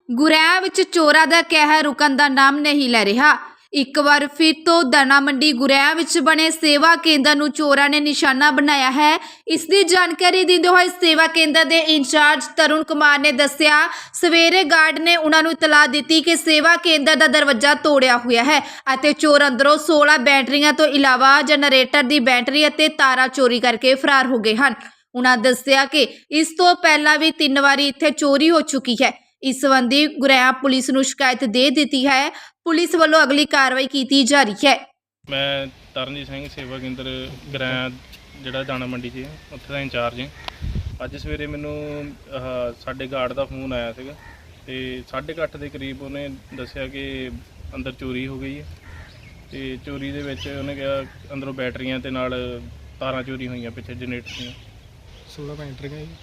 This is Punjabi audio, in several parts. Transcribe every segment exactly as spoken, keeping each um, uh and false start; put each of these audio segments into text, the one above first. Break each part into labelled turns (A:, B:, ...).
A: ਗੁਰੇਆਂ ਵਿੱਚ ਚੋਰਾਂ ਦਾ ਕਹਿਰ ਰੁਕਣ ਦਾ ਨਾਮ ਨਹੀਂ ਲੈ ਰਿਹਾ। ਇੱਕ ਵਾਰ ਫਿਰ ਤੋਂ ਦਾਣਾ ਮੰਡੀ ਗੁਰੇਆਂ ਵਿੱਚ ਬਣੇ ਸੇਵਾ ਕੇਂਦਰ ਨੂੰ ਚੋਰਾਂ ਨੇ ਨਿਸ਼ਾਨਾ ਬਣਾਇਆ ਹੈ। ਇਸ ਦੀ ਜਾਣਕਾਰੀ ਦਿੰਦੇ ਹੋਏ ਸੇਵਾ ਕੇਂਦਰ ਦੇ ਇੰਚਾਰਜ ਤਰੁਣ ਕੁਮਾਰ ਨੇ ਦੱਸਿਆ, ਸਵੇਰੇ ਗਾਰਡ ਨੇ ਉਹਨਾਂ ਨੂੰ ਇਤਲਾਹ ਦਿੱਤੀ ਕਿ ਸੇਵਾ ਕੇਂਦਰ ਦਾ ਦਰਵਾਜ਼ਾ ਤੋੜਿਆ ਹੋਇਆ ਹੈ ਅਤੇ ਚੋਰ ਅੰਦਰੋਂ ਸੋਲਾਂ ਬੈਟਰੀਆਂ ਤੋਂ ਇਲਾਵਾ ਜਨਰੇਟਰ ਦੀ ਬੈਟਰੀ ਅਤੇ ਤਾਰਾਂ ਚੋਰੀ ਕਰਕੇ ਫਰਾਰ ਹੋ ਗਏ ਹਨ। ਉਹਨਾਂ ਦੱਸਿਆ ਕਿ ਇਸ ਤੋਂ ਪਹਿਲਾਂ ਵੀ ਤਿੰਨ ਵਾਰੀ ਇੱਥੇ ਚੋਰੀ ਹੋ ਚੁੱਕੀ ਹੈ। ਇਸ ਸੰਬੰਧੀ ਗੁਰੇਆਂ ਪੁਲਿਸ ਨੂੰ ਸ਼ਿਕਾਇਤ ਦੇ ਦਿੱਤੀ ਹੈ। ਪੁਲਿਸ ਵੱਲੋਂ ਅਗਲੀ ਕਾਰਵਾਈ ਕੀਤੀ ਜਾ ਰਹੀ ਹੈ।
B: ਮੈਂ ਤਰਨਜੀਤ ਸਿੰਘ ਸੇਵਾ ਕੇਂਦਰ ਗੁਰੇਆਂ ਜਿਹੜਾ ਦਾਣਾ ਮੰਡੀ 'ਚ ਉੱਥੇ ਦਾ ਇੰਚਾਰਜ ਹਾਂ। ਅੱਜ ਸਵੇਰੇ ਮੈਨੂੰ ਆਹ ਸਾਡੇ ਗਾਰਡ ਦਾ ਫੋਨ ਆਇਆ ਸੀਗਾ ਤੇ ਸਾਢੇ ਕੁ ਅੱਠ ਦੇ ਕਰੀਬ ਉਹਨੇ ਦੱਸਿਆ ਕਿ ਅੰਦਰ ਚੋਰੀ ਹੋ ਗਈ ਹੈ ਤੇ ਚੋਰੀ ਦੇ ਵਿੱਚ ਉਹਨੇ ਕਿਹਾ ਅੰਦਰੋਂ ਬੈਟਰੀਆਂ ਤੇ ਨਾਲ ਤਾਰਾਂ ਚੋਰੀ ਹੋਈਆਂ ਪਿੱਛੇ ਜਨਰੇਟਰ ਦੀਆਂ
C: ਸੋਲਾਂ ਬੈਟਰੀਆਂ ਜੀ।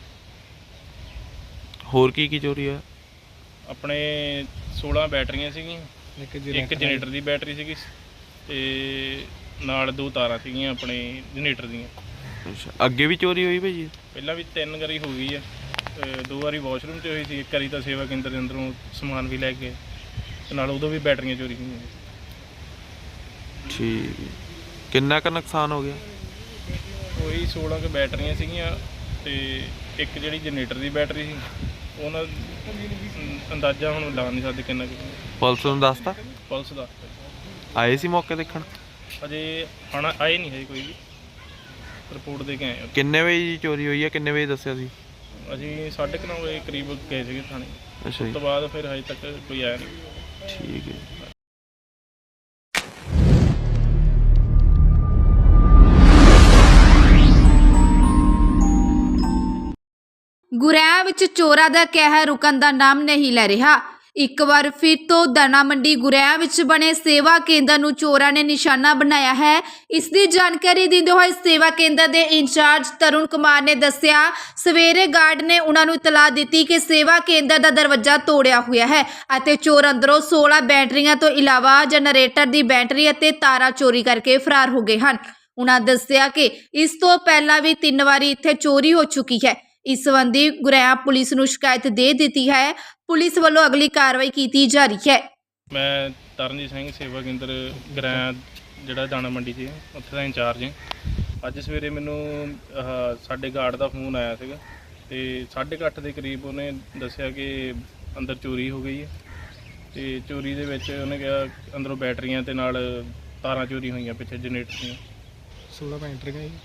D: ਹੋਰ ਕੀ ਕੀ ਚੋਰੀ ਆ?
B: ਆਪਣੇ ਸੋਲਾਂ ਬੈਟਰੀਆਂ ਸੀਗੀਆਂ,
C: ਇੱਕ
B: ਇੱਕ ਜਨਰੇਟਰ ਦੀ ਬੈਟਰੀ ਸੀਗੀ ਤੇ ਨਾਲ ਦੋ ਤਾਰਾਂ ਸੀਗੀਆਂ ਆਪਣੇ ਜਨਰੇਟਰ ਦੀਆਂ।
D: ਅੱਛਾ, ਅੱਗੇ ਵੀ ਚੋਰੀ ਹੋਈ ਭਾਈ?
B: ਪਹਿਲਾਂ ਵੀ ਤਿੰਨ ਵਾਰੀ ਹੋ ਗਈ ਹੈ। ਦੋ ਵਾਰੀ ਵਾਸ਼ਰੂਮ 'ਚ ਹੋਈ ਸੀ, ਇੱਕ ਵਾਰੀ ਤਾਂ ਸੇਵਾ ਕੇਂਦਰ ਦੇ ਅੰਦਰੋਂ ਸਮਾਨ ਵੀ ਲੈ ਗਏ ਤੇ ਨਾਲ ਉਦੋਂ ਵੀ ਬੈਟਰੀਆਂ ਚੋਰੀ ਹੋਈਆਂ।
D: ਠੀਕ, ਕਿੰਨਾ ਕੁ ਨੁਕਸਾਨ ਹੋ ਗਿਆ?
B: ਕੋਈ ਸੋਲਾਂ ਕੁ ਬੈਟਰੀਆਂ ਸੀਗੀਆਂ ਤੇ ਇੱਕ ਜਿਹੜੀ ਜਨਰੇਟਰ ਦੀ ਬੈਟਰੀ ਸੀ ਉਹਨਾਂ ਅੰਦਾਜ਼ਾ ਹੁਣ ਲਾ ਨਹੀਂ ਸਕਦੇ ਕਿੰਨਾ ਕੁ।
D: ਪੁਲਿਸ ਨੂੰ ਦੱਸਤਾ?
B: ਪੁਲਿਸ ਦਾ
D: ਆਏ ਸੀ ਮੌਕੇ ਦੇਖਣ?
B: ਅਜੇ ਆਉਣਾ ਆਏ ਨਹੀਂ ਹੈ ਕੋਈ ਵੀ, ਰਿਪੋਰਟ ਦੇ ਕੇ ਆਏ ਹਾਂ।
D: ਕਿੰਨੇ ਵਜੇ ਦੀ ਚੋਰੀ ਹੋਈ ਹੈ? ਕਿੰਨੇ ਵਜੇ ਦੱਸਿਆ ਸੀ?
B: ਅਸੀਂ ਸਾਢੇ ਕੁ ਨੌ ਵਜੇ ਕਰੀਬ ਗਏ ਸੀਗੇ ਥਾਣੇ।
D: ਅੱਛਾ
B: ਉਸ
D: ਜੀ,
B: ਤੋਂ ਬਾਅਦ ਫਿਰ ਹਜੇ ਤੱਕ ਕੋਈ ਆਇਆ ਨਹੀਂ।
D: ਠੀਕ ਹੈ।
A: ਗੁਰੇਆਂ ਵਿੱਚ ਚੋਰਾਂ ਦਾ ਕਹਿਰ ਰੁਕਣ ਦਾ ਨਾਮ ਨਹੀਂ ਲੈ ਰਿਹਾ। ਇੱਕ ਵਾਰ ਫਿਰ ਤੋਂ ਦਾਣਾ ਮੰਡੀ ਗੁਰੇਆਂ ਵਿੱਚ ਬਣੇ ਸੇਵਾ ਕੇਂਦਰ ਨੂੰ ਚੋਰਾਂ ਨੇ ਨਿਸ਼ਾਨਾ ਬਣਾਇਆ ਹੈ। ਇਸ ਦੀ ਜਾਣਕਾਰੀ ਦਿੰਦੇ ਹੋਏ ਸੇਵਾ ਕੇਂਦਰ ਦੇ ਇੰਚਾਰਜ ਤਰੁਣ ਕੁਮਾਰ ਨੇ ਦੱਸਿਆ, ਸਵੇਰੇ ਗਾਰਡ ਨੇ ਉਹਨਾਂ ਨੂੰ ਇਤਲਾਹ ਦਿੱਤੀ ਕਿ ਸੇਵਾ ਕੇਂਦਰ ਦਾ ਦਰਵਾਜ਼ਾ ਤੋੜਿਆ ਹੋਇਆ ਹੈ ਅਤੇ ਚੋਰ ਅੰਦਰੋਂ ਸੋਲਾਂ ਬੈਟਰੀਆਂ ਤੋਂ ਇਲਾਵਾ ਜਨਰੇਟਰ ਦੀ ਬੈਟਰੀ ਅਤੇ ਤਾਰਾਂ ਚੋਰੀ ਕਰਕੇ ਫਰਾਰ ਹੋ ਗਏ ਹਨ। ਉਹਨਾਂ ਦੱਸਿਆ ਕਿ ਇਸ ਤੋਂ ਪਹਿਲਾਂ ਵੀ ਤਿੰਨ ਵਾਰੀ ਇੱਥੇ ਚੋਰੀ ਹੋ ਚੁੱਕੀ ਹੈ। ਇਸ ਸੰਬੰਧੀ ਗੁਰੇਆਂ ਪੁਲਿਸ ਨੂੰ ਸ਼ਿਕਾਇਤ ਦੇ ਦਿੱਤੀ ਹੈ। ਪੁਲਿਸ ਵੱਲੋਂ ਅਗਲੀ ਕਾਰਵਾਈ ਕੀਤੀ ਜਾ ਰਹੀ ਹੈ।
B: ਮੈਂ ਤਰਨਜੀਤ ਸਿੰਘ ਸੇਵਾ ਕੇਂਦਰ ਗੁਰੇਆਂ ਜਿਹੜਾ ਦਾਣਾ ਮੰਡੀ 'ਚ ਉੱਥੇ ਦਾ ਇੰਚਾਰਜ ਹਾਂ। ਅੱਜ ਸਵੇਰੇ ਮੈਨੂੰ ਆਹ ਸਾਡੇ ਗਾਰਡ ਦਾ ਫੋਨ ਆਇਆ ਸੀਗਾ ਤੇ ਸਾਢੇ ਕੁ ਅੱਠ ਦੇ ਕਰੀਬ ਉਹਨੇ ਦੱਸਿਆ ਕਿ ਅੰਦਰ ਚੋਰੀ ਹੋ ਗਈ ਹੈ ਤੇ ਚੋਰੀ ਦੇ ਵਿੱਚ ਉਹਨੇ ਕਿਹਾ ਅੰਦਰੋਂ ਬੈਟਰੀਆਂ ਤੇ ਨਾਲ ਤਾਰਾਂ ਚੋਰੀ ਹੋਈਆਂ ਪਿੱਛੇ ਜਨਰੇਟਰ ਦੀਆਂ
C: ਸੋਲਾਂ ਬੈਟਰੀਆਂ ਜੀ।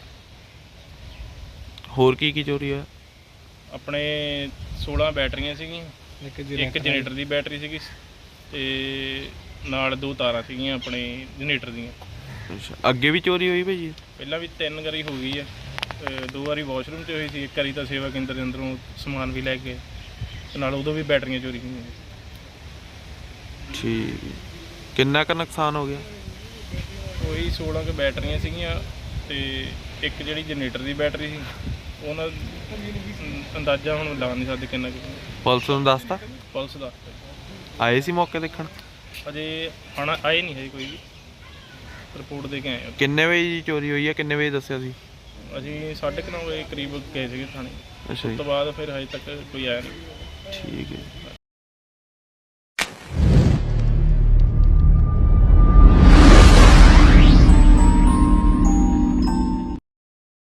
D: ਹੋਰ ਕੀ ਕੀ ਚੋਰੀ ਆ?
B: ਆਪਣੇ ਸੋਲਾਂ ਬੈਟਰੀਆਂ ਸੀਗੀਆਂ,
C: ਇੱਕ
B: ਇੱਕ ਜਨਰੇਟਰ ਦੀ ਬੈਟਰੀ ਸੀਗੀ ਤੇ ਨਾਲ ਦੋ ਤਾਰਾਂ ਸੀਗੀਆਂ ਆਪਣੇ ਜਨਰੇਟਰ ਦੀਆਂ।
D: ਅੱਛਾ, ਅੱਗੇ ਵੀ ਚੋਰੀ ਹੋਈ ਭਾਈ?
B: ਪਹਿਲਾਂ ਵੀ ਤਿੰਨ ਵਾਰੀ ਹੋ ਗਈ ਹੈ। ਦੋ ਵਾਰੀ ਵਾਸ਼ਰੂਮ 'ਚ ਹੋਈ ਸੀ, ਇੱਕ ਵਾਰੀ ਤਾਂ ਸੇਵਾ ਕੇਂਦਰ ਦੇ ਅੰਦਰੋਂ ਸਮਾਨ ਵੀ ਲੈ ਗਏ ਤੇ ਨਾਲ ਉਦੋਂ ਵੀ ਬੈਟਰੀਆਂ ਚੋਰੀ ਹੋਈਆਂ।
D: ਠੀਕ, ਕਿੰਨਾ ਕੁ ਨੁਕਸਾਨ ਹੋ ਗਿਆ?
B: ਕੋਈ ਸੋਲਾਂ ਕੁ ਬੈਟਰੀਆਂ ਸੀਗੀਆਂ ਤੇ ਇੱਕ ਜਿਹੜੀ ਜਨਰੇਟਰ ਦੀ ਬੈਟਰੀ ਸੀ ਉਹਨਾਂ ਅੰਦਾਜ਼ਾ ਹੁਣ ਲਾ ਨਹੀਂ ਸਕਦੇ ਕਿੰਨਾ ਕੁ।
D: ਪੁਲਿਸ ਨੂੰ ਦੱਸਤਾ?
B: ਪੁਲਿਸ ਦਾ
D: ਆਏ ਸੀ ਮੌਕੇ ਦੇਖਣ?
B: ਅਜੇ ਆਉਣਾ ਆਏ ਨਹੀਂ ਹੈ ਕੋਈ ਵੀ, ਰਿਪੋਰਟ ਦੇ ਕੇ ਆਏ ਹਾਂ।
D: ਕਿੰਨੇ ਵਜੇ ਦੀ ਚੋਰੀ ਹੋਈ ਹੈ? ਕਿੰਨੇ ਵਜੇ ਦੱਸਿਆ ਸੀ?
B: ਅਸੀਂ ਸਾਢੇ ਕੁ ਨੌ ਵਜੇ ਕਰੀਬ ਗਏ ਸੀਗੇ ਥਾਣੇ।
D: ਅੱਛਾ
B: ਉਸ
D: ਜੀ,
B: ਤੋਂ ਬਾਅਦ ਫਿਰ ਹਜੇ ਤੱਕ ਕੋਈ ਆਇਆ ਨਹੀਂ।
D: ਠੀਕ ਹੈ।